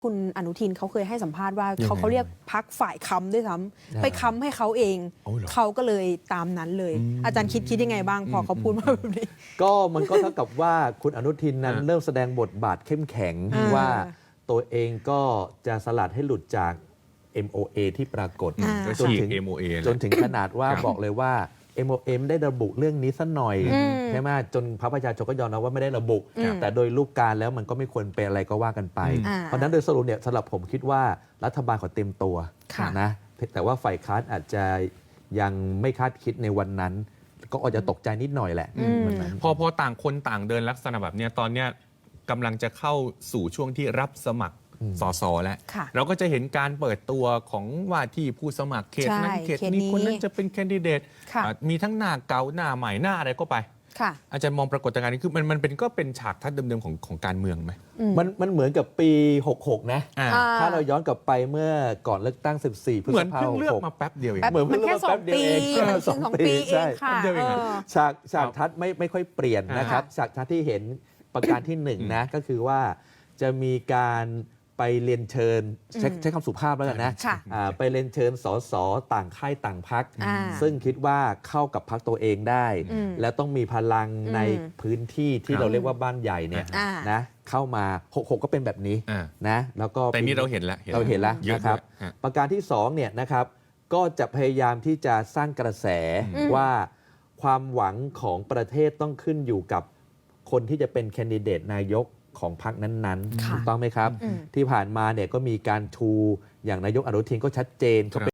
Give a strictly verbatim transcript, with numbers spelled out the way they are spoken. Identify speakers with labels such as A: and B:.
A: คุณอนุทินเขาเคยให้สัมภาษณ์ว่าเขาเขาเรียกพักฝ่ายค้ำด้วยซ้ำไปค้ำให้เขาเองเขาก็เลยตามนั้นเลย อาจารย์คิดคิดยังไงบ้างพอเขาพูดมาแบบนี้
B: ก็มันก็เท่ากับว่าคุณอนุทินนั้นเริ่มแสดงบทบาทเข้มแข็งว่าตัวเองก็จะสลัดให้หลุดจาก เอ็ม โอ เอ ที่ปรากฏจนถึง
C: เอ็ม โอ เอ
B: จนถึงขนาดว่าบอกเลยว่า เอ็ม โอ เอ ได้ระบุเรื่องนี้สักหน่อยใช่ไหมจนพรรคประชาชนก็ยอมรับว่าไม่ได้ระบุ แต่โดยรูปการแล้วมันก็ไม่ควรเป็นอะไรก็ว่ากันไป เพราะฉะนั้นโดยสรุปเนี่ยสำหรับผมคิดว่ารัฐบาลขอเต็มตัวนะแต่ว่าฝ่ายค้านอาจจะยังไม่คาดคิดในวันนั้นก็อาจจะตกใจนิดหน่อยแหละ
C: พอพอต่างคนต่างเดินลักษณะแบบนี้ตอนเนี้ยกำลังจะเข้าสู่ช่วงที่รับสมัครสสแล้วเราก็จะเห็นการเปิดตัวของว่าที่ผู้สมัครเขตนั้นเขตนี้คนนั้นจะเป็นแคนดิเดตมีทั้งหน้าเก่าหน้าใหม่หน้าอะไรก็ไปอาจารย์มองปรากฏการณ์นี้คือมันมันเป็นก็เป็นฉากทัศน์เดิมๆของของการเมืองไหม
B: มันมันเหมือนกับปีหกหกนะถ้าเราย้อนกลับไปเมื่อก่อนเลือกตั้งสิบสี่พฤษภาคม
C: เหมือนเพิ่งเลือกมาแป๊บเดียวเอง
A: เหมือนเพิ่งเลือกมาแป๊บเดียวเองสองปีเองค่ะ
B: ฉากฉากทัศน์ไม่ไม่ค่อยเปลี่ยนนะครับฉากทัศน์ที่เห็นประการที่หนึ่งนะก็คือว่าจะมีการไปเรียนเชิญใช้ใช้คำสุภาพแล้วกันนะไปเรียนเชิญสสต่างค่ายต่างพรรคซึ่งคิดว่าเข้ากับพรรคตัวเองได้และต้องมีพลังในพื้นที่ที่เราเรียกว่าบ้านใหญ่เนี่ยนะเข้ามาหกหกก็เป็นแบบนี้นะแล้วก็
C: แต่นี่เราเห็นแล้ว
B: เราเห็นแล้วนะครับประการที่สองเนี่ยนะครับก็จะพยายามที่จะสร้างกระแสว่าความหวังของประเทศต้องขึ้นอยู่กับคนที่จะเป็นแคนดิเดตนายกของพรรคนั้นๆถูกต้องไหมครับที่ผ่านมาเนี่ยก็มีการชูอย่างนายกอนุทินก็ชัดเจน